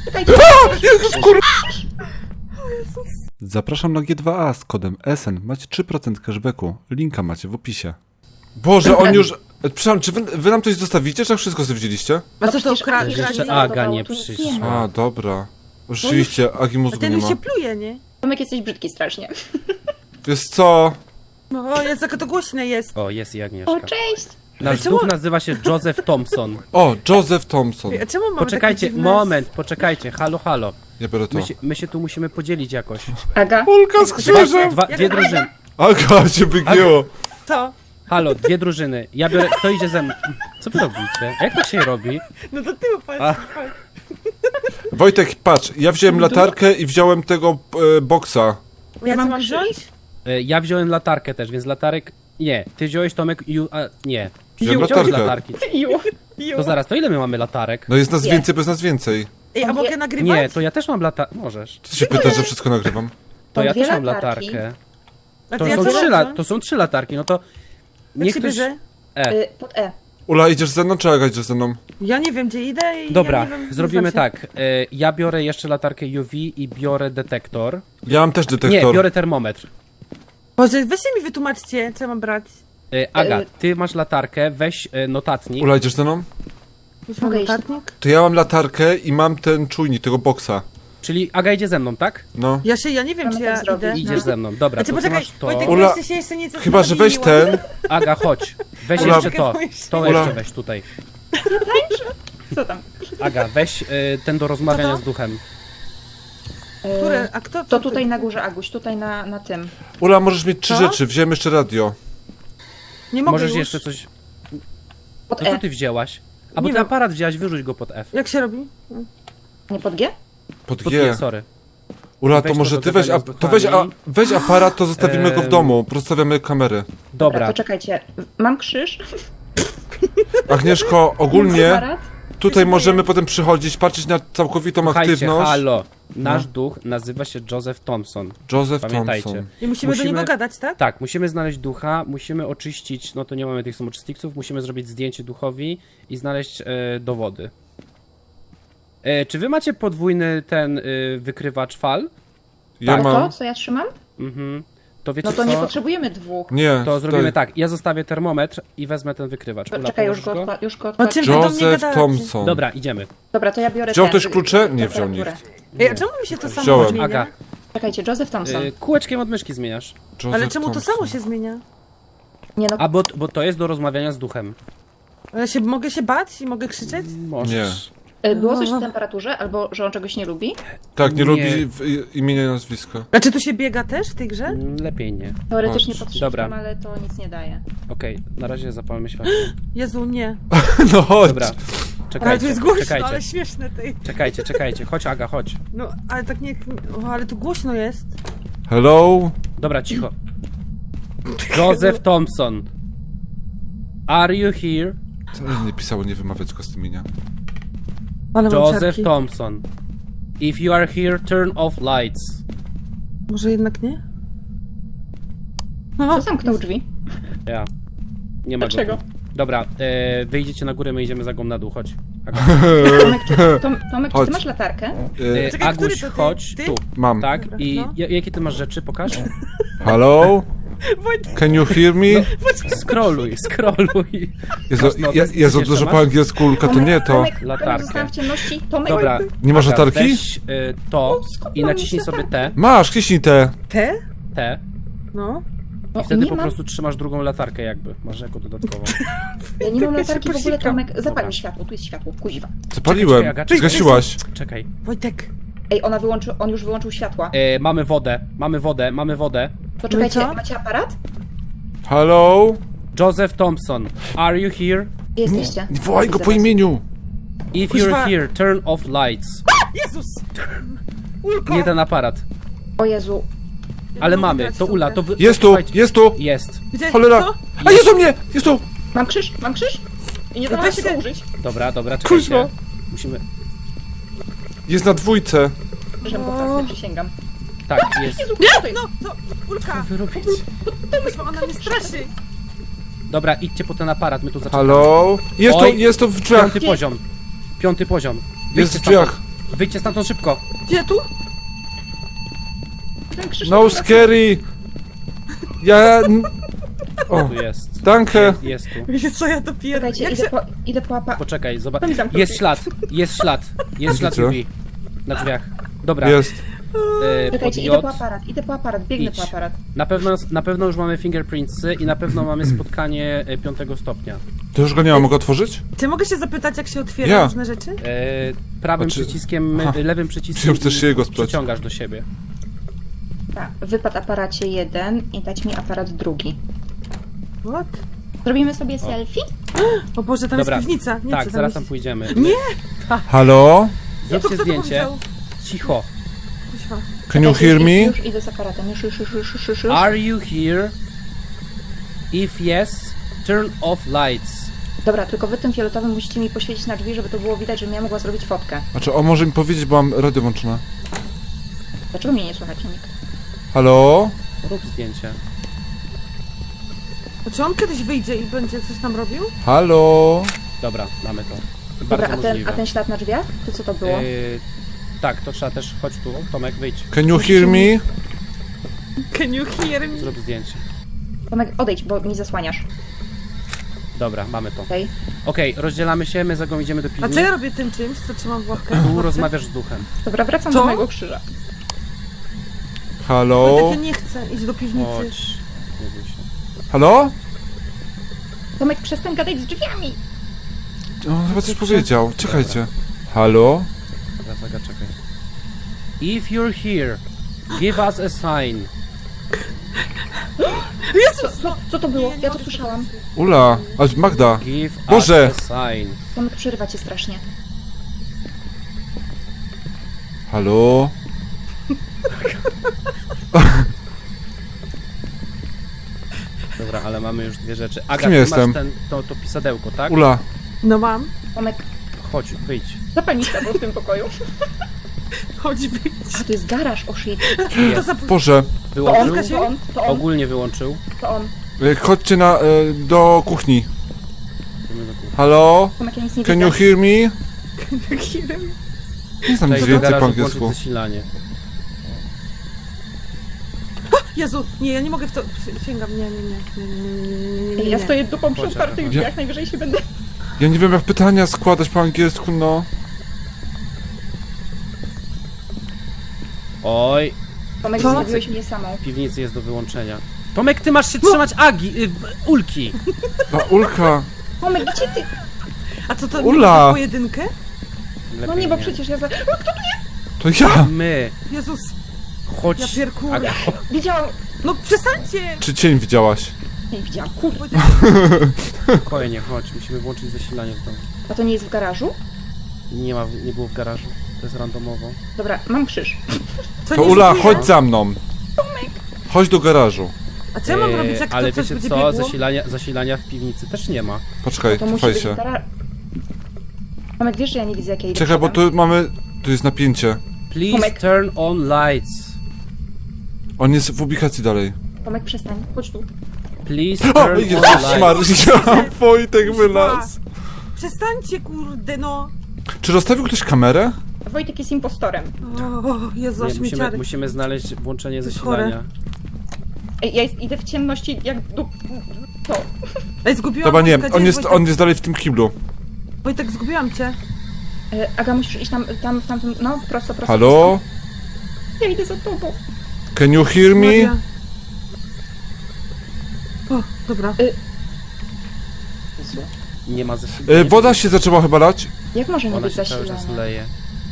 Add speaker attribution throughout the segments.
Speaker 1: Czekajcie.
Speaker 2: Zapraszam na G2A z kodem SN. Macie 3% cashbacku. Linka macie w opisie. Boże, on już... Przepraszam, czy wy nam coś zostawicie, czy wszystko sobie wzięliście?
Speaker 1: A co to ukradł?
Speaker 3: Jeszcze Aga nie przyszła.
Speaker 2: A, dobra. Rzeczywiście, Agi mózgu
Speaker 1: Ten
Speaker 2: nie
Speaker 1: już
Speaker 2: ma.
Speaker 1: się pluje, nie?
Speaker 4: Tomek, jesteś brzydki strasznie.
Speaker 2: Wiesz co?
Speaker 1: No, jest jak to głośne jest.
Speaker 3: O, jest i Agnieszka.
Speaker 4: O, cześć!
Speaker 3: Nasz
Speaker 1: Czemu-
Speaker 3: duch nazywa się Joseph Thompson.
Speaker 2: O, Joseph Thompson.
Speaker 1: A czemu mamy
Speaker 3: Poczekajcie,
Speaker 1: takie dziwne-
Speaker 3: moment, poczekajcie, halo, halo.
Speaker 2: Nie biorę to.
Speaker 3: My się tu musimy podzielić jakoś.
Speaker 4: Aga,
Speaker 2: Ulka z krzyżem!
Speaker 3: Dwie drużyny.
Speaker 2: Aga, cię wygięło.
Speaker 1: Co?
Speaker 3: Halo, dwie drużyny. Ja biorę, kto idzie ze mną? Co wy robicie? Jak to się robi?
Speaker 1: No do tyłu patrz.
Speaker 3: A.
Speaker 2: Wojtek, patrz, ja wziąłem latarkę i wziąłem tego boksa.
Speaker 1: Ja
Speaker 4: mam
Speaker 1: mam
Speaker 4: krzyż.
Speaker 1: wziąć?
Speaker 3: Ja wziąłem latarkę też, więc latarek... Nie, ty wziąłeś Tomek i... nie.
Speaker 2: Wziąłem
Speaker 3: Wziąłeś
Speaker 2: latarkę.
Speaker 3: latarki.
Speaker 4: Ju.
Speaker 3: To zaraz, to ile my mamy latarek?
Speaker 2: No jest nas
Speaker 4: Nie.
Speaker 2: więcej, bez nas więcej.
Speaker 1: Ej, a mogę nagrywać?
Speaker 3: Nie, to ja też mam latarkę. Możesz.
Speaker 2: Ty się pytasz, że wszystko nagrywam?
Speaker 3: To ja
Speaker 4: dwie
Speaker 3: też mam
Speaker 4: latarki.
Speaker 3: latarkę.
Speaker 1: A
Speaker 3: To
Speaker 1: ja
Speaker 3: są,
Speaker 1: co
Speaker 3: trzy
Speaker 1: mam
Speaker 3: to są 3 latarki, no to...
Speaker 1: Jak
Speaker 3: Niech
Speaker 1: się
Speaker 3: ktoś...
Speaker 1: bierze?
Speaker 4: Pod E.
Speaker 2: Ula, idziesz ze mną, czy Aga idziesz ze mną?
Speaker 1: Ja nie wiem, gdzie idę i
Speaker 3: Dobra,
Speaker 1: ja nie wiem, nie
Speaker 3: zrobimy
Speaker 1: znam się.
Speaker 3: tak. Ja biorę jeszcze latarkę UV i biorę detektor.
Speaker 2: Ja mam też
Speaker 3: Nie,
Speaker 2: detektor.
Speaker 3: biorę termometr.
Speaker 1: Boże, weźcie mi wytłumaczcie, co mam brać.
Speaker 3: Aga, ty masz latarkę, weź notatnik.
Speaker 2: Ula, idziesz ze mną?
Speaker 1: Już
Speaker 4: Mogę
Speaker 1: mam
Speaker 4: iść?
Speaker 1: notatnik?
Speaker 2: To ja mam latarkę i mam ten czujnik, tego boksa.
Speaker 3: Czyli Aga idzie ze mną, tak?
Speaker 2: No.
Speaker 1: Ja nie wiem,
Speaker 4: Mamy
Speaker 1: czy
Speaker 4: tak
Speaker 1: ja
Speaker 4: zrobić.
Speaker 1: idę.
Speaker 3: Idziesz ze mną, dobra,
Speaker 1: Znaczy,
Speaker 3: to ty
Speaker 1: poczekaj,
Speaker 3: masz to.
Speaker 1: Wojtek,
Speaker 2: Ula,
Speaker 1: bo jeszcze się jeszcze nic
Speaker 2: Chyba, że weź ten.
Speaker 3: Aga, chodź. Weź
Speaker 2: Ula.
Speaker 3: jeszcze to. To
Speaker 2: Ula.
Speaker 3: jeszcze weź tutaj.
Speaker 4: Co tam?
Speaker 3: Aga, weź ten do rozmawiania
Speaker 1: Co to?
Speaker 3: z duchem.
Speaker 1: Które? A kto?
Speaker 4: To tutaj na górze, Aguś, tutaj na tym.
Speaker 2: Ula, możesz mieć 3
Speaker 1: Co?
Speaker 2: rzeczy, wziąłem jeszcze radio.
Speaker 1: Nie mogę
Speaker 3: Możesz
Speaker 1: już.
Speaker 3: jeszcze coś...
Speaker 4: Pod
Speaker 3: To co
Speaker 4: E.
Speaker 3: ty wzięłaś? A bo
Speaker 1: Nie
Speaker 3: ten
Speaker 1: wiem.
Speaker 3: aparat wzięłaś, wyrzuć go pod F.
Speaker 1: Jak się robi?
Speaker 4: Nie pod G?
Speaker 2: Pod
Speaker 3: Pod
Speaker 2: G.
Speaker 3: G, sorry.
Speaker 2: Ula,
Speaker 3: Weź
Speaker 2: to
Speaker 3: to
Speaker 2: może
Speaker 3: do
Speaker 2: ty weź,
Speaker 3: gadania z
Speaker 2: to weź,
Speaker 3: duchami.
Speaker 2: weź aparat, to zostawimy go w
Speaker 3: Em.
Speaker 2: domu. Rozstawiamy kamery.
Speaker 3: Dobra,
Speaker 4: To czekajcie. Mam krzyż.
Speaker 2: Agnieszko, ogólnie
Speaker 4: Aparat.
Speaker 2: tutaj możemy potem przychodzić, patrzeć na całkowitą
Speaker 3: słuchajcie,
Speaker 2: aktywność.
Speaker 3: halo. Nasz duch nazywa się Joseph Thompson.
Speaker 2: Joseph
Speaker 3: Pamiętajcie.
Speaker 2: Thompson.
Speaker 1: I musimy do
Speaker 3: Musimy-
Speaker 1: niego gadać, tak?
Speaker 3: Tak, musimy znaleźć ducha, musimy oczyścić, no to nie mamy tych samoczystniców, musimy zrobić zdjęcie duchowi i znaleźć dowody. Czy wy macie podwójny ten wykrywacz fal?
Speaker 2: Ja
Speaker 4: To,
Speaker 2: mam.
Speaker 4: co ja trzymam?
Speaker 3: Mhm. To wiecie
Speaker 4: No to
Speaker 3: co?
Speaker 4: nie potrzebujemy dwóch.
Speaker 2: Nie.
Speaker 3: To zrobimy
Speaker 2: tutaj.
Speaker 3: tak, ja zostawię termometr i wezmę ten wykrywacz. Ula,
Speaker 4: Czekaj, już
Speaker 3: położysz
Speaker 4: go, już go
Speaker 1: O
Speaker 4: odkładam.
Speaker 1: czym wy do mnie
Speaker 2: Joseph
Speaker 1: gadacie?
Speaker 2: Thompson.
Speaker 3: Dobra, idziemy.
Speaker 4: Dobra, to ja biorę
Speaker 2: Wziął
Speaker 4: ten,
Speaker 2: ktoś klucze? Nie wziął
Speaker 4: temperaturę.
Speaker 2: nikt.
Speaker 1: Ej, a czemu mi się to samo
Speaker 2: Wziąłem.
Speaker 1: zmienia?
Speaker 3: Aga,
Speaker 4: Czekajcie, Joseph Thompson.
Speaker 3: kółeczkiem od myszki zmieniasz.
Speaker 2: Joseph
Speaker 1: Ale czemu to
Speaker 2: Thompson.
Speaker 1: samo się zmienia?
Speaker 4: Nie no,
Speaker 3: A bo to jest do rozmawiania z duchem.
Speaker 1: Ale mogę się bać i mogę krzyczeć?
Speaker 3: Możesz.
Speaker 4: było coś o temperaturze, albo że on czegoś nie lubi?
Speaker 2: Tak, nie
Speaker 3: Nie.
Speaker 2: lubi imienia i nazwiska.
Speaker 1: A czy tu się biega też w tej grze?
Speaker 3: Lepiej nie.
Speaker 4: Teoretycznie
Speaker 2: Chodź.
Speaker 4: potrzebam,
Speaker 3: Dobra.
Speaker 4: ale to nic nie daje.
Speaker 3: Okej, na razie zapalmy światło.
Speaker 1: Jezu, nie.
Speaker 2: No chodź.
Speaker 3: Dobra,
Speaker 1: Ale to
Speaker 3: czekajcie,
Speaker 1: jest głośno,
Speaker 3: czekajcie,
Speaker 1: ale śmieszne tej.
Speaker 3: czekajcie. Chodź Aga, chodź.
Speaker 1: No, ale tak nie... O, ale tu głośno jest.
Speaker 2: Hello?
Speaker 3: Dobra, cicho. Joseph Thompson. Are you here?
Speaker 2: Co nie pisało, nie wymawiać go z tym imienia.
Speaker 1: Ale mam
Speaker 3: Joseph
Speaker 1: ciarki.
Speaker 3: Thompson. If you are here, turn off lights.
Speaker 1: Może jednak nie? O,
Speaker 4: To zamknął drzwi.
Speaker 3: Ja. Nie ma
Speaker 4: Dlaczego?
Speaker 3: go tu. Dobra, wyjdziecie na górę, my idziemy za na dół, chodź.
Speaker 4: Tomek, Tomek, czy
Speaker 2: Chodź.
Speaker 4: ty masz latarkę?
Speaker 1: Czekaj, który
Speaker 3: Aguś,
Speaker 1: to ty?
Speaker 3: chodź
Speaker 1: Ty?
Speaker 3: tu.
Speaker 2: Mam.
Speaker 3: Tak,
Speaker 1: Dobra,
Speaker 3: i
Speaker 1: no.
Speaker 3: jakie ty masz rzeczy? Pokaż.
Speaker 2: Hello?
Speaker 1: Wojtek,
Speaker 2: Can you hear me?
Speaker 3: Scrolluj.
Speaker 2: Jezu,
Speaker 3: Masz notes?
Speaker 2: Jezu
Speaker 3: Jeszcze
Speaker 2: dużo
Speaker 3: masz?
Speaker 2: po angielsku, Ulka, to nie to.
Speaker 4: Tomek,
Speaker 3: Latarkę.
Speaker 4: zostałam w ciemności. Tomek,
Speaker 3: Dobra.
Speaker 2: Nie masz
Speaker 3: Aga,
Speaker 2: latarki?
Speaker 3: Weź to i naciśnij sobie T.
Speaker 2: Masz, kliknij te.
Speaker 1: te?
Speaker 3: T.
Speaker 1: No.
Speaker 4: no,
Speaker 3: I wtedy
Speaker 4: nie
Speaker 3: po
Speaker 4: mam,
Speaker 3: prostu trzymasz drugą latarkę jakby. Masz jako dodatkową.
Speaker 4: ja nie mam latarki w ogóle,
Speaker 1: posikam.
Speaker 4: Tomek, zapal
Speaker 3: Dobra.
Speaker 4: mi światło, tu jest światło, kuźwa.
Speaker 2: Zapaliłem.
Speaker 3: Czekaj, Aga, czekaj.
Speaker 2: Zgasiłaś.
Speaker 3: Czekaj.
Speaker 1: Wojtek.
Speaker 4: Ej, on już wyłączył światła.
Speaker 3: Mamy wodę.
Speaker 4: To czekajcie,
Speaker 1: co?
Speaker 4: macie aparat?
Speaker 2: Hello?
Speaker 3: Joseph Thompson. Are you here?
Speaker 4: Gdzie jesteście?
Speaker 2: Nie wołaj go
Speaker 4: Widzę
Speaker 2: po
Speaker 4: was.
Speaker 2: imieniu.
Speaker 3: If
Speaker 1: Kuźwa.
Speaker 3: you're here, turn off lights.
Speaker 1: Jezus! Ulko!
Speaker 3: Nie ten aparat.
Speaker 4: O Jezu,
Speaker 3: Ale
Speaker 1: mogę
Speaker 3: mamy,
Speaker 1: grać
Speaker 3: to
Speaker 1: w
Speaker 3: Ula,
Speaker 1: tą
Speaker 3: to
Speaker 1: grę.
Speaker 3: wy...
Speaker 2: Jest tu,
Speaker 3: słuchajcie.
Speaker 2: jest tu.
Speaker 3: Jest.
Speaker 1: Gdzie?
Speaker 2: Cholera.
Speaker 1: Co?
Speaker 2: A jest u mnie, jest tu.
Speaker 4: mam krzyż? I nie zdążę
Speaker 1: Weź
Speaker 4: się
Speaker 1: się-
Speaker 4: użyć.
Speaker 3: Dobra, czekajcie.
Speaker 2: Kuźwa.
Speaker 3: Musimy...
Speaker 2: Jest na dwójce.
Speaker 4: Żem go fasty, przysięgam.
Speaker 3: Tak, jest.
Speaker 4: Jezu, kto to jest?
Speaker 1: No, co? Ulka!
Speaker 3: Wy robicie?
Speaker 1: Kuźwa, ona mnie straszy!
Speaker 3: Dobra, idźcie po ten aparat, my tu zaczynamy.
Speaker 2: Halo?
Speaker 3: Oj.
Speaker 2: Jest tu w drzwiach.
Speaker 3: Piąty poziom.
Speaker 2: Jest
Speaker 3: Wyjdźcie
Speaker 2: w drzwiach.
Speaker 3: Wyjdźcie stamtąd szybko.
Speaker 1: Gdzie tu?
Speaker 4: Ten krzyż
Speaker 2: No scary! Ja... O,
Speaker 3: Tu jest.
Speaker 2: danke!
Speaker 3: Jest tu.
Speaker 1: Wiecie co, ja to pierdolę.
Speaker 4: Czekajcie,
Speaker 1: Jak
Speaker 4: idę po apa...
Speaker 3: Poczekaj, zobacz.
Speaker 4: To mi zamknął
Speaker 3: Jest
Speaker 4: drzwi.
Speaker 3: ślad, jest ślad. Jest ślad
Speaker 2: Widzę.
Speaker 3: UV. Na drzwiach. Dobra.
Speaker 2: Jest.
Speaker 3: Pod
Speaker 4: Czekajcie,
Speaker 3: J.
Speaker 4: idę po aparat, biegnę
Speaker 3: Idź.
Speaker 4: po aparat.
Speaker 3: Na pewno już mamy fingerprintsy i na pewno mamy spotkanie 5 stopnia.
Speaker 2: To już go nie ma, mogę otworzyć?
Speaker 1: Czy mogę się zapytać, jak się otwiera
Speaker 2: Ja.
Speaker 1: różne rzeczy?
Speaker 3: Prawym
Speaker 2: Znaczy-
Speaker 3: przyciskiem,
Speaker 2: Aha.
Speaker 3: lewym przyciskiem
Speaker 2: Myślałem, że chcesz się jego sprzeć.
Speaker 3: przyciągasz do siebie.
Speaker 4: Tak, wypadł aparacie 1 i dać mi aparat drugi.
Speaker 1: What?
Speaker 4: Zrobimy sobie selfie?
Speaker 1: O Boże, tam
Speaker 3: Dobra.
Speaker 1: jest piwnica. Nie
Speaker 3: Tak,
Speaker 1: chcę
Speaker 3: zaraz tam
Speaker 1: iść.
Speaker 3: pójdziemy.
Speaker 1: Nie!
Speaker 2: Halo?
Speaker 1: Ja to
Speaker 3: Zróbcie
Speaker 1: kto to
Speaker 3: zdjęcie.
Speaker 1: powiedział?
Speaker 3: Cicho.
Speaker 1: Kuźwa.
Speaker 2: Can you
Speaker 4: Czekajcie,
Speaker 2: hear me?
Speaker 4: Już idę z aparatem, już.
Speaker 3: Are you here? If yes, turn off lights.
Speaker 4: Dobra, tylko wy tym fioletowym musicie mi poświecić na drzwi, żeby to było widać, żebym ja mogła zrobić fotkę.
Speaker 2: Znaczy, on może mi powiedzieć, bo mam radio włączone.
Speaker 4: Dlaczego mnie nie słuchacie nikt?
Speaker 2: Halo?
Speaker 3: Rób zdjęcie.
Speaker 1: A czy on kiedyś wyjdzie i będzie coś tam robił?
Speaker 2: Halo?
Speaker 3: Dobra, mamy to.
Speaker 4: Dobra,
Speaker 3: Bardzo możliwe.
Speaker 4: a ten ślad na drzwiach? To co to było?
Speaker 3: Tak, to trzeba też, chodź tu, Tomek, wyjdź,
Speaker 2: Can you hear me?
Speaker 1: Can you hear me?
Speaker 3: zrób zdjęcie.
Speaker 4: Tomek, odejdź, bo mi zasłaniasz.
Speaker 3: Dobra, mamy to.
Speaker 4: Okej?
Speaker 3: Okej, rozdzielamy się, my za gą idziemy do
Speaker 1: A
Speaker 3: piwnicy.
Speaker 1: co ja robię tym czymś, co trzymam w łapkę?
Speaker 3: Tu rozmawiasz z duchem.
Speaker 4: Dobra, wracam
Speaker 1: Co?
Speaker 4: do mojego krzyża.
Speaker 2: Halo?
Speaker 1: Wojtek, ja nie chcę iść do piwnicy.
Speaker 3: Chodź. Nie bój się.
Speaker 2: Halo?
Speaker 4: Tomek, przestań gadać z drzwiami!
Speaker 2: On chyba coś powiedział. Czekajcie. Halo?
Speaker 3: Dobra, Zaga, czekaj. If you're here, give us a sign.
Speaker 4: Co to było?
Speaker 1: Nie, nie
Speaker 4: Ja to
Speaker 1: mogę
Speaker 4: słyszałam.
Speaker 2: Ula, a Magda.
Speaker 3: Give
Speaker 2: Boże!
Speaker 3: us a sign.
Speaker 4: Tomek, przerywa cię strasznie.
Speaker 2: Halo?
Speaker 3: Dobra, ale mamy już dwie rzeczy. Aga,
Speaker 2: Kim
Speaker 3: ty
Speaker 2: jestem?
Speaker 3: masz to pisadełko, tak?
Speaker 2: Ula.
Speaker 1: No mam.
Speaker 4: Tomek,
Speaker 3: Chodź, wyjdź.
Speaker 4: zapal mi światło w tym pokoju.
Speaker 1: Chodź wyjdź.
Speaker 4: A, to jest garaż, o shit.
Speaker 1: To
Speaker 3: Jest.
Speaker 1: za...
Speaker 2: Boże.
Speaker 4: To on,
Speaker 3: Wyłączył?
Speaker 4: to on,
Speaker 3: Ogólnie wyłączył.
Speaker 4: to on.
Speaker 2: Chodźcie do kuchni.
Speaker 3: Idziemy do kuchni.
Speaker 2: Halo?
Speaker 4: Tomek, ja nic nie
Speaker 2: Can
Speaker 4: widzę.
Speaker 2: you hear me? Nie znam nic
Speaker 3: Tutaj do
Speaker 2: więcej po
Speaker 3: garażu
Speaker 2: angielsku.
Speaker 3: włączyć zasilanie.
Speaker 1: Jezu, nie, ja nie mogę w to... Sięgam, nie.
Speaker 4: Ja stoję dupą przy
Speaker 3: Chodź,
Speaker 4: otwartych
Speaker 3: Aga,
Speaker 4: drzwiach, najwyżej się będę...
Speaker 2: Ja nie wiem jak pytania składać po angielsku, no.
Speaker 3: Oj,
Speaker 4: Tomek,
Speaker 1: Co?
Speaker 4: zostawiłeś mnie samą.
Speaker 3: w piwnicy jest do wyłączenia. Tomek, ty masz się trzymać Ulki.
Speaker 2: A Ulka.
Speaker 4: Tomek, gdzie ty?
Speaker 1: A co to,
Speaker 2: Ula!
Speaker 1: nie pojedynkę?
Speaker 4: No
Speaker 3: Lepiej
Speaker 4: nie, bo przecież ja za... O, kto tu jest?
Speaker 2: To ja!
Speaker 3: My.
Speaker 1: Jezus,
Speaker 3: Chodź.
Speaker 1: ja pierkur.
Speaker 3: Aga,
Speaker 4: Widziałam...
Speaker 1: No przestańcie!
Speaker 2: Czy cień widziałaś?
Speaker 4: Nie widziałam, kurde.
Speaker 3: spokojnie, chodź. Musimy włączyć zasilanie w domu.
Speaker 4: A to nie jest w garażu?
Speaker 3: Nie było w garażu. To jest randomowo.
Speaker 4: Dobra, mam krzyż.
Speaker 1: Co,
Speaker 2: To
Speaker 1: nie
Speaker 2: Ula,
Speaker 1: żyje?
Speaker 2: chodź za mną. Chodź do garażu.
Speaker 1: A co ja mam robić, jak
Speaker 3: Ale
Speaker 1: to coś
Speaker 3: wiecie
Speaker 1: będzie
Speaker 3: co?
Speaker 1: biegło?
Speaker 3: Zasilania w piwnicy też nie ma.
Speaker 2: Poczekaj,
Speaker 4: To musi
Speaker 2: cofaj
Speaker 4: być
Speaker 2: się.
Speaker 4: w garażu. Tomek, wiesz, że ja nie widzę, jak ja idę
Speaker 2: Czekaj, bo
Speaker 4: przodem?
Speaker 2: tu mamy... Tu jest napięcie.
Speaker 3: Please
Speaker 4: Tomek.
Speaker 3: turn on lights.
Speaker 2: On jest w ubikacji dalej.
Speaker 4: Tomek, przestań, chodź tu.
Speaker 3: Please
Speaker 2: O,
Speaker 3: turn on
Speaker 2: Jezus
Speaker 3: lights.
Speaker 2: Maria, Wojtek wylazł.
Speaker 1: Przestańcie, kurde, no!
Speaker 2: Czy rozstawił ktoś kamerę?
Speaker 4: Wojtek jest impostorem.
Speaker 1: O, Jezu, aż
Speaker 3: Nie,
Speaker 1: mi ciary.
Speaker 3: musimy znaleźć włączenie
Speaker 1: To jest
Speaker 3: zasilania.
Speaker 4: Ej, ja idę w ciemności jak... To.
Speaker 1: Ej, zgubiłam
Speaker 2: Dobra, nie,
Speaker 1: Wojtka, gdzie Wojtek?
Speaker 2: on jest dalej w tym kiblu.
Speaker 1: Wojtek, zgubiłam cię.
Speaker 4: Aga, musisz iść tam, w tamtym... No, prosto.
Speaker 2: Halo?
Speaker 4: Ja idę za tobą.
Speaker 2: Can you hear me?
Speaker 1: Maria. O, dobra.
Speaker 4: Jezu.
Speaker 3: Nie ma zasilania.
Speaker 2: Woda się zaczęła chyba lać.
Speaker 4: Jak może nie
Speaker 3: Ona
Speaker 4: być
Speaker 3: się cały czas
Speaker 4: zasilana?
Speaker 3: leje.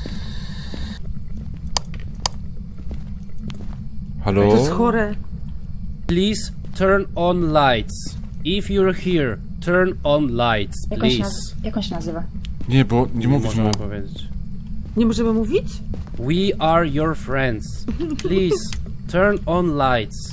Speaker 2: Halo?
Speaker 1: To jest chore.
Speaker 3: Please turn on lights. If you're here, turn on lights, please.
Speaker 4: Jak on się nazywa?
Speaker 2: Nie, bo nie mówisz mu.
Speaker 3: możemy powiedzieć.
Speaker 1: Nie możemy mówić?
Speaker 3: We are your friends. Please turn on lights.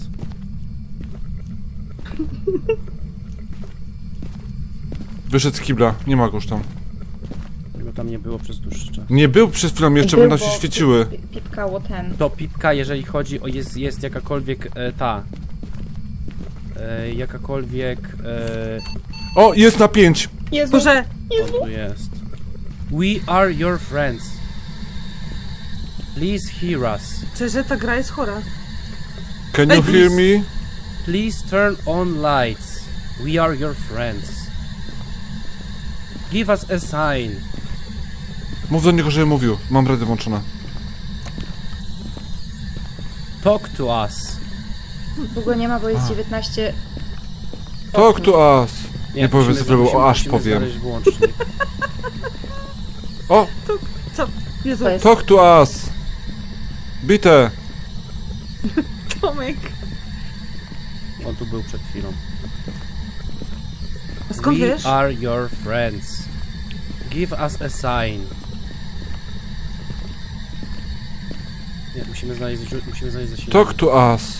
Speaker 2: Wyszedł z kibla, nie ma go już tam.
Speaker 3: Tego tam nie było przez dłuższy czas.
Speaker 2: Nie był przed chwilą, jeszcze
Speaker 4: Był,
Speaker 2: będą się
Speaker 4: bo
Speaker 2: świeciły.
Speaker 4: Pipkało ten.
Speaker 3: To pipka, jeżeli chodzi o jest jakakolwiek jakakolwiek
Speaker 2: O, jest na 5.
Speaker 4: Jezu,
Speaker 1: Boże,
Speaker 3: o, tu jest. We are your friends. Please hear us.
Speaker 1: Szczerze, ta gra jest chora.
Speaker 2: Can
Speaker 1: Ej,
Speaker 2: you hear me?
Speaker 3: Please turn on lights. We are your friends. Give us a sign.
Speaker 2: Mów do niego, żeby mówił. Mam radio włączone.
Speaker 3: Talk to us.
Speaker 4: Długo nie ma, bo jest 19...
Speaker 2: Talk to us. Nie powiem
Speaker 3: musimy-
Speaker 2: cyfrowo,
Speaker 3: musimy-
Speaker 2: o, aż
Speaker 3: musimy
Speaker 2: powiem.
Speaker 3: znaleźć włącznik.
Speaker 2: O!
Speaker 1: Co? Jezu,
Speaker 4: To jest...
Speaker 2: Talk to us! Bite!
Speaker 1: Tomek.
Speaker 3: On tu był przed chwilą.
Speaker 1: A skąd
Speaker 3: We
Speaker 1: wiesz?
Speaker 3: are your friends. Give us a sign. Nie, musimy znaleźć zasilanie.
Speaker 2: Talk to us!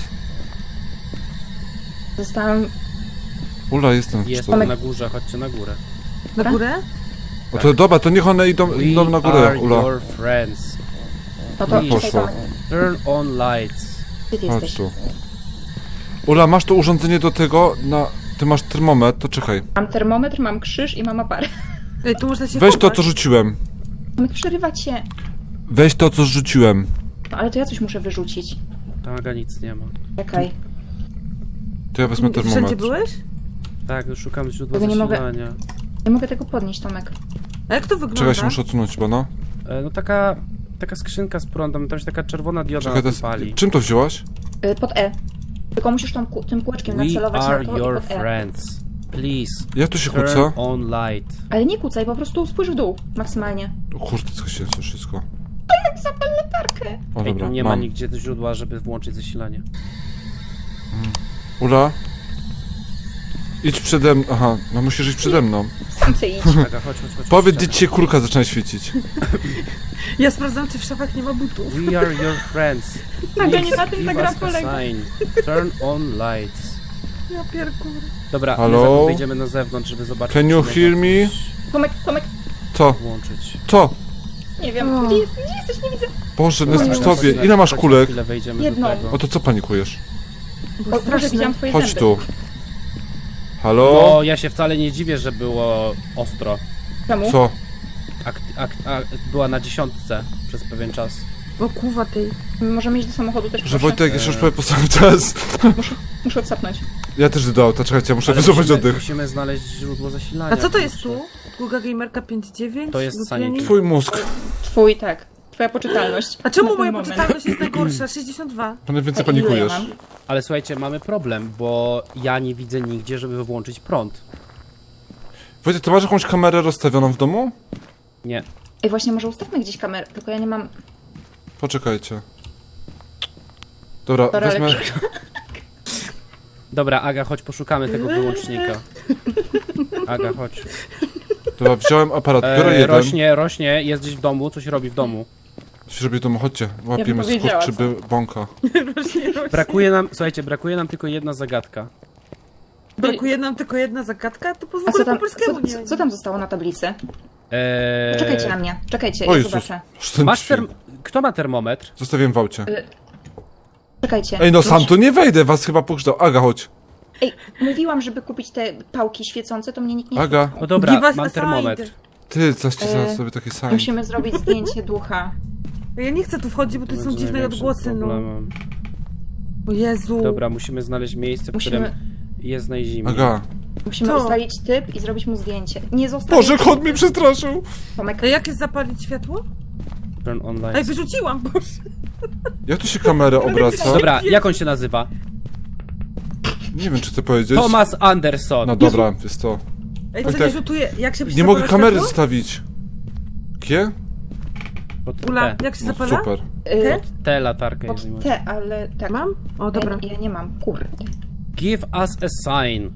Speaker 4: Zostałam...
Speaker 2: Ula, jestem w
Speaker 3: Jest
Speaker 2: cztery.
Speaker 3: tam na górze, chodźcie na górę.
Speaker 1: Na górę?
Speaker 2: O to dobra, to niech one idą na
Speaker 3: We
Speaker 2: górę,
Speaker 3: are
Speaker 2: Ula.
Speaker 3: your friends.
Speaker 4: No to
Speaker 3: Nie
Speaker 4: czekaj,
Speaker 2: poszło.
Speaker 4: Tomek.
Speaker 3: Turn on lights.
Speaker 4: Gdzie ty
Speaker 2: Chodź
Speaker 4: jesteś?
Speaker 2: tu. Ula, masz to urządzenie do tego, Ty masz termometr, to czekaj.
Speaker 4: Mam termometr, mam krzyż i mam aparat.
Speaker 1: Ej, tu można się
Speaker 2: Weź to,
Speaker 1: chować.
Speaker 2: co rzuciłem.
Speaker 4: Tomek, przerywać się.
Speaker 2: Weź to, co rzuciłem.
Speaker 4: No ale to ja coś muszę wyrzucić.
Speaker 3: Tam nic nie ma.
Speaker 4: Czekaj.
Speaker 2: To ja wezmę
Speaker 1: Wszędzie
Speaker 2: termometr.
Speaker 1: byłeś?
Speaker 3: Tak, no szukam źródła
Speaker 4: Tego nie mogę-
Speaker 3: zasilania.
Speaker 4: Nie mogę tego podnieść, Tomek.
Speaker 1: A jak to wygląda?
Speaker 2: Czekaj, się muszę odsunąć chyba, no.
Speaker 3: No taka skrzynka z prądem, tam się taka czerwona dioda
Speaker 2: Czekaj, to
Speaker 3: na
Speaker 2: jest...
Speaker 3: tym pali.
Speaker 2: Czym to wzięłaś?
Speaker 4: Pod E. Tylko musisz tym kółeczkiem
Speaker 3: We
Speaker 4: nacelować
Speaker 3: are
Speaker 4: na to
Speaker 3: your
Speaker 4: i pod E.
Speaker 3: friends. Please,
Speaker 2: Jak to się
Speaker 3: turn
Speaker 2: kłóca?
Speaker 3: on light.
Speaker 4: Ale nie kucaj, po prostu spójrz w dół. Maksymalnie.
Speaker 2: O kurde, co się to wszystko.
Speaker 4: Zapal latarkę.
Speaker 2: O
Speaker 3: Ej,
Speaker 2: dobra,
Speaker 3: tu nie ma
Speaker 2: mam.
Speaker 3: nigdzie źródła, żeby włączyć zasilanie.
Speaker 2: Ula? Idź przede mną. Aha, no musisz iść przede mną.
Speaker 4: Sam chcę iść.
Speaker 3: Aga, chodź.
Speaker 2: Powiedz, gdzie ci kurka zaczyna świecić.
Speaker 1: Ja sprawdzam, czy w szafach nie ma butów.
Speaker 3: We are your friends.
Speaker 4: Nagle nie
Speaker 3: Please
Speaker 4: na tym
Speaker 3: give
Speaker 4: ta gra
Speaker 3: us a
Speaker 4: polega.
Speaker 3: sign. Turn on lights.
Speaker 1: Ja pierkur.
Speaker 3: Dobra,
Speaker 2: Halo?
Speaker 3: my wyjdziemy na zewnątrz, żeby zobaczyć.
Speaker 2: Can you
Speaker 3: czy
Speaker 2: hear
Speaker 3: można
Speaker 2: me?
Speaker 3: coś
Speaker 4: Tomek,
Speaker 2: Co?
Speaker 3: włączyć.
Speaker 2: Co?
Speaker 4: nie wiem.
Speaker 1: O.
Speaker 4: Gdzie jesteś? Nie widzę.
Speaker 2: Boże, no jestem przy
Speaker 3: Chodź
Speaker 2: tobie.
Speaker 3: na-
Speaker 2: Ile masz
Speaker 3: chodź na
Speaker 2: kulek?
Speaker 3: chwilę wejdziemy
Speaker 4: Jedną.
Speaker 3: do tego.
Speaker 2: O to co panikujesz?
Speaker 1: Bo
Speaker 4: Boże,
Speaker 1: straszne.
Speaker 4: widziałam twoje
Speaker 2: Chodź
Speaker 4: zęby.
Speaker 2: tu. Halo?
Speaker 3: No, ja się wcale nie dziwię, że było ostro.
Speaker 4: Czemu?
Speaker 2: Co?
Speaker 3: Była na 10 przez pewien czas.
Speaker 1: O kuwa tej.
Speaker 4: Możemy iść do samochodu też,
Speaker 2: Że
Speaker 4: proszę?
Speaker 2: Wojtek jeszcze już powie po sam czas.
Speaker 4: Muszę odsapnąć.
Speaker 2: Ja też do auta, czekajcie, ja muszę
Speaker 3: Ale
Speaker 2: wycofać oddech.
Speaker 3: musimy znaleźć źródło zasilania.
Speaker 1: A co to jest
Speaker 3: kurczę.
Speaker 1: tu? Google Gamerka 5.9?
Speaker 3: To jest
Speaker 1: Lubianie?
Speaker 3: Sanity.
Speaker 2: Twój mózg.
Speaker 4: Twój, tak. Twoja poczytalność.
Speaker 1: A czemu
Speaker 4: Na ten
Speaker 1: moja
Speaker 4: moment.
Speaker 1: poczytalność jest najgorsza? 62.
Speaker 2: Pan więcej
Speaker 4: A ile
Speaker 2: panikujesz.
Speaker 4: ja mam?
Speaker 3: Ale słuchajcie, mamy problem, bo ja nie widzę nigdzie, żeby włączyć prąd.
Speaker 2: Wojtek, ty masz jakąś kamerę rozstawioną w domu?
Speaker 3: Nie.
Speaker 4: Ej, właśnie może ustawmy gdzieś kamerę, tylko ja nie mam...
Speaker 2: Poczekajcie. Dobra,
Speaker 4: Dobra,
Speaker 2: wezmę...
Speaker 4: ale-
Speaker 3: Dobra, Aga, chodź poszukamy tego wyłącznika. Aga, chodź.
Speaker 2: Dobra, wziąłem aparat, biorę jeden.
Speaker 3: Rośnie, jest gdzieś w domu, coś robi w domu.
Speaker 2: Coś robię w domu, chodźcie.
Speaker 4: bym
Speaker 2: Łapiemy
Speaker 4: powiedziała,
Speaker 2: skurczyby bąka.
Speaker 3: Brakuje nam tylko jedna zagadka.
Speaker 1: Brakuje nam tylko jedna zagadka? To po
Speaker 4: A co
Speaker 1: po
Speaker 4: tam,
Speaker 1: polskiemu nie
Speaker 4: co tam zostało na tablicy?
Speaker 3: Eee,
Speaker 4: Czekajcie na mnie, czekajcie,
Speaker 2: O
Speaker 4: ja
Speaker 2: Jezus.
Speaker 4: zobaczę.
Speaker 2: Aż ten
Speaker 3: Masz
Speaker 2: dźwięk.
Speaker 3: Kto ma termometr?
Speaker 2: Zostawiłem w aucie.
Speaker 4: Czekajcie.
Speaker 2: Ej, no sam tu nie wejdę, was chyba pokrzydał. Aga, chodź.
Speaker 4: Ej, mówiłam, żeby kupić te pałki świecące, to mnie nikt nie
Speaker 2: Aga.
Speaker 4: słuchał.
Speaker 3: No dobra,
Speaker 1: Give us
Speaker 3: mam
Speaker 1: a
Speaker 3: termometr.
Speaker 1: sign.
Speaker 2: Ty, coś ci zaraz
Speaker 4: E,
Speaker 2: sobie takie same.
Speaker 4: Musimy zrobić zdjęcie ducha.
Speaker 1: Ja nie chcę tu wchodzić, bo to są
Speaker 3: Będzie
Speaker 1: dziwne
Speaker 3: największym
Speaker 1: odgłosy, no.
Speaker 3: problemem.
Speaker 1: O Jezu.
Speaker 3: Dobra, musimy znaleźć miejsce, w
Speaker 4: Musimy-
Speaker 3: którym jest najzimniej.
Speaker 2: Aga.
Speaker 4: Musimy
Speaker 1: Co?
Speaker 4: ustalić typ i zrobić mu zdjęcie. Nie zostawić...
Speaker 2: Boże, kot mnie przestraszył!
Speaker 4: Tomek,
Speaker 1: A jak jest zapalić światło?
Speaker 3: Turn on
Speaker 1: Ej,
Speaker 3: lights.
Speaker 1: wyrzuciłam, boże.
Speaker 2: Jak tu się kamerę obraca?
Speaker 3: Dobra, jak on się nazywa?
Speaker 2: Nie wiem, czy chcę powiedzieć.
Speaker 3: Thomas Anderson.
Speaker 2: No dobra, jest to.
Speaker 1: Ej, co
Speaker 2: tak.
Speaker 1: nie rzutuje? Jak się
Speaker 2: Nie mogę
Speaker 1: zapala
Speaker 2: kamery
Speaker 1: światło?
Speaker 2: zostawić. Gie?
Speaker 3: Pod
Speaker 1: Ula,
Speaker 3: T.
Speaker 1: jak się
Speaker 2: No
Speaker 1: zapala?
Speaker 2: super.
Speaker 1: Te?
Speaker 3: Tę latarkę
Speaker 4: pod
Speaker 3: jest nie
Speaker 4: T, ale tak.
Speaker 1: Mam? O, dobra.
Speaker 4: Ja nie mam, kurde.
Speaker 3: Give us a sign.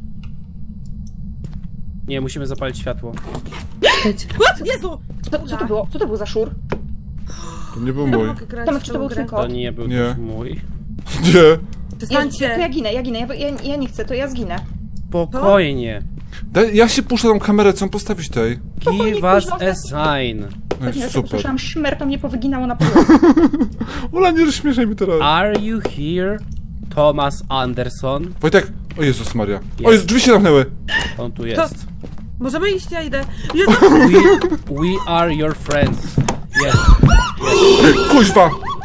Speaker 3: Nie, musimy zapalić światło.
Speaker 1: What? Jezu!
Speaker 4: Co to było? Co to był za szur?
Speaker 2: To nie był
Speaker 1: Nie
Speaker 2: mój.
Speaker 1: mogę grać
Speaker 4: Tomek,
Speaker 1: w
Speaker 4: czy
Speaker 1: tą
Speaker 4: to był
Speaker 1: grę.
Speaker 4: twój
Speaker 3: To
Speaker 4: kot?
Speaker 3: nie był
Speaker 2: Nie.
Speaker 3: też mój.
Speaker 2: Nie.
Speaker 4: To
Speaker 1: Przestańcie.
Speaker 4: ja ginę, ja nie chcę, to ja zginę.
Speaker 3: Spokojnie.
Speaker 2: Ja się puszczę tą kamerę, co mam postawić tej?
Speaker 3: Give us a sign.
Speaker 2: No
Speaker 4: Jak
Speaker 2: jest
Speaker 4: ja
Speaker 2: super.
Speaker 4: usłyszałam szmer, to mnie powyginało na podłodze.
Speaker 2: Ula, nie rozśmieszaj mi teraz.
Speaker 3: Are you here, Thomas Anderson?
Speaker 2: Wojtek! O Jezus Maria. O
Speaker 3: Jest.
Speaker 2: Jezu, drzwi się zamknęły.
Speaker 3: On tu jest.
Speaker 1: Możemy iść, ja idę. Jezu!
Speaker 3: We are your friends. Jest.
Speaker 2: Kuźwa!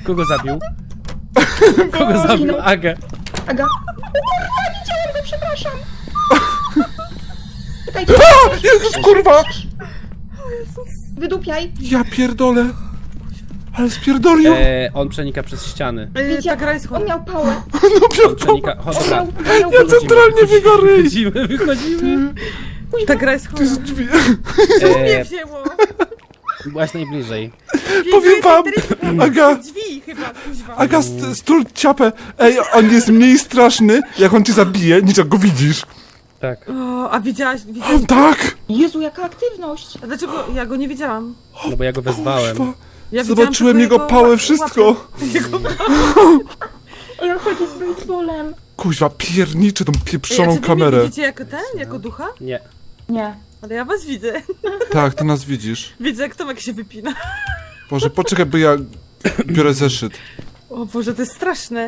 Speaker 3: Kogo zabił? Kogo zabił? Agę.
Speaker 4: Aga. O kurwa, widziałem go, przepraszam. Czekajcie,
Speaker 2: Jezus, kurwa!
Speaker 4: wydupiaj.
Speaker 2: Ja pierdolę. Ale spierdolił.
Speaker 3: On przenika przez ściany.
Speaker 4: Widzicie,
Speaker 1: Ta gra jest
Speaker 4: on
Speaker 1: chora.
Speaker 4: miał pałę.
Speaker 3: On przenika... Chodź, dobra.
Speaker 4: On miał
Speaker 2: Ja centralnie w jego ryj.
Speaker 3: Wychodzimy.
Speaker 1: Ta gra jest chora.
Speaker 2: Drzwi.
Speaker 1: Nie wzięło.
Speaker 3: Byłaś najbliżej.
Speaker 2: Powiem wam, Aga,
Speaker 1: Drzwi chyba, kuźwa.
Speaker 2: Aga, stul ciapę. Ej, on jest mniej straszny, jak on cię zabije, niż jak go widzisz.
Speaker 3: Tak.
Speaker 1: O, a widziałaś?
Speaker 2: O, tak!
Speaker 4: Jezu, jaka aktywność.
Speaker 1: A dlaczego ja go nie widziałam?
Speaker 3: No bo ja go wezwałem.
Speaker 2: Kurwa.
Speaker 1: Ja widziałam
Speaker 2: Zobaczyłem
Speaker 1: tylko
Speaker 2: jego pałę, wszystko.
Speaker 4: Ej, on chodzi z baseballem.
Speaker 2: Kuźwa, pierniczę tą
Speaker 1: Ej,
Speaker 2: pieprzoną
Speaker 1: a czy wy
Speaker 2: kamerę.
Speaker 1: mnie widzicie jako ten? Jako ducha?
Speaker 3: Nie.
Speaker 4: Nie.
Speaker 1: Ale ja was widzę.
Speaker 2: Tak, ty nas widzisz.
Speaker 1: Widzę jak Tomek się wypina.
Speaker 2: Boże, poczekaj, bo ja biorę zeszyt.
Speaker 1: O Boże, to jest straszne.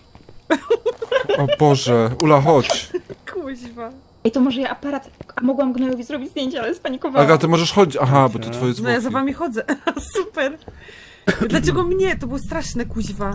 Speaker 2: O Boże, Ula, chodź.
Speaker 1: Kuźwa.
Speaker 4: Ej, to może ja aparat... A mogłam Gnojowi zrobić zdjęcie, ale spanikowałam.
Speaker 2: Aga, ty możesz chodzić. Aha, bo to twoje
Speaker 1: No ja za
Speaker 2: zwłoki.
Speaker 1: wami chodzę. Super. Dlaczego mnie? To było straszne, kuźwa.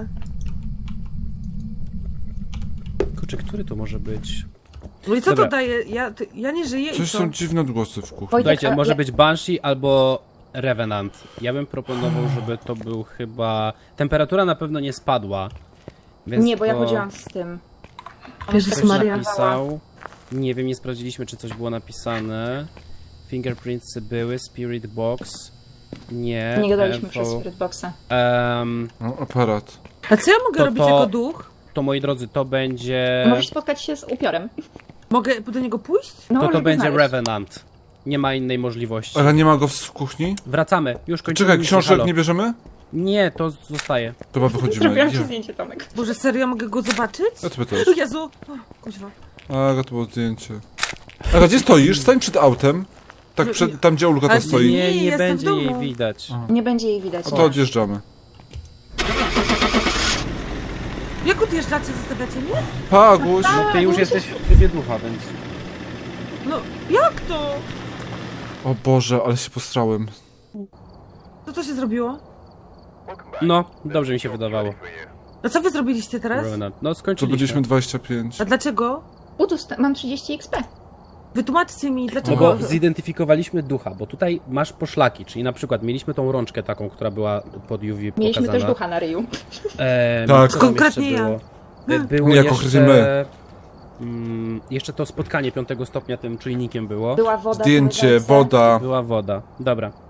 Speaker 3: Kurczę, który to może być?
Speaker 1: No i co
Speaker 3: Dobra.
Speaker 1: to daje? Ja nie żyję i
Speaker 2: Coś
Speaker 1: co?
Speaker 2: są dziwne odgłosy w kuchni.
Speaker 4: Wojtek,
Speaker 3: Słuchajcie,
Speaker 4: a
Speaker 3: może
Speaker 4: ja-
Speaker 3: być Banshee albo Revenant. Ja bym proponował, żeby to był chyba... Temperatura na pewno nie spadła. Więc
Speaker 4: Nie, bo ja
Speaker 3: to
Speaker 4: chodziłam z tym.
Speaker 1: Jezus
Speaker 3: ktoś
Speaker 1: Maria.
Speaker 3: napisał. Nie wiem, nie sprawdziliśmy, czy coś było napisane. Fingerprints były, Spirit Box. Nie.
Speaker 4: Nie gadaliśmy
Speaker 3: info.
Speaker 4: przez Spirit Boxa.
Speaker 2: No, aparat.
Speaker 1: A co ja mogę
Speaker 3: To-
Speaker 1: robić
Speaker 3: to-
Speaker 1: jako duch?
Speaker 3: To moi drodzy, to będzie...
Speaker 4: Możesz spotkać się z upiorem.
Speaker 1: Mogę do niego pójść?
Speaker 4: No,
Speaker 3: To
Speaker 4: żeby
Speaker 3: będzie
Speaker 4: znaleźć.
Speaker 3: Revenant. Nie ma innej możliwości.
Speaker 2: Ale nie ma go w kuchni?
Speaker 3: Wracamy, już kończymy.
Speaker 2: Czekaj,
Speaker 3: misję,
Speaker 2: książek
Speaker 3: halo.
Speaker 2: nie bierzemy?
Speaker 3: Nie, to zostaje.
Speaker 2: Chyba wychodzimy.
Speaker 4: Zrobiłam ci
Speaker 2: Ja.
Speaker 4: zdjęcie, Tomek.
Speaker 1: Boże, serio, mogę go zobaczyć?
Speaker 2: Ja tobie też.
Speaker 1: O Jezu! O, kuźwa.
Speaker 2: Aga, to było zdjęcie. Aga, gdzie stoisz? Stań przed autem. Tak, przed, tam gdzie Ulka
Speaker 1: Ale
Speaker 2: to stoi.
Speaker 1: nie,
Speaker 3: Nie, nie
Speaker 1: jestem w
Speaker 3: będzie jej
Speaker 1: domu.
Speaker 3: widać.
Speaker 4: Nie będzie jej widać.
Speaker 2: No to odjeżdżamy.
Speaker 1: Jak odjeżdżacie? Zostawiacie mnie?
Speaker 2: Pa, Aguś.
Speaker 3: No ty już jesteś w trybie ducha, więc...
Speaker 1: No, jak to?
Speaker 2: O Boże, ale się postrałem.
Speaker 1: Co to się zrobiło?
Speaker 3: No, dobrze mi się wydawało.
Speaker 1: A co wy zrobiliście teraz?
Speaker 3: Revenant. No
Speaker 2: To
Speaker 3: skończyliśmy.
Speaker 2: byliśmy 25.
Speaker 1: A dlaczego?
Speaker 4: Mam 30 XP.
Speaker 1: Wytłumaczcie mi,
Speaker 3: No
Speaker 1: dlaczego...
Speaker 3: bo zidentyfikowaliśmy ducha, bo tutaj masz poszlaki, czyli na przykład mieliśmy tą rączkę taką, która była pod UV
Speaker 4: Mieliśmy
Speaker 3: pokazana.
Speaker 4: też ducha na ryju.
Speaker 2: Tak.
Speaker 3: co tam
Speaker 1: Konkretnie
Speaker 3: jeszcze
Speaker 1: ja.
Speaker 3: było? Było
Speaker 2: Jak
Speaker 3: jeszcze...
Speaker 2: konkretnie my.
Speaker 3: Jeszcze to spotkanie 5 stopnia tym czujnikiem było.
Speaker 4: Była woda.
Speaker 2: Zdjęcie,
Speaker 4: były ręce.
Speaker 2: woda.
Speaker 3: Była woda. Dobra.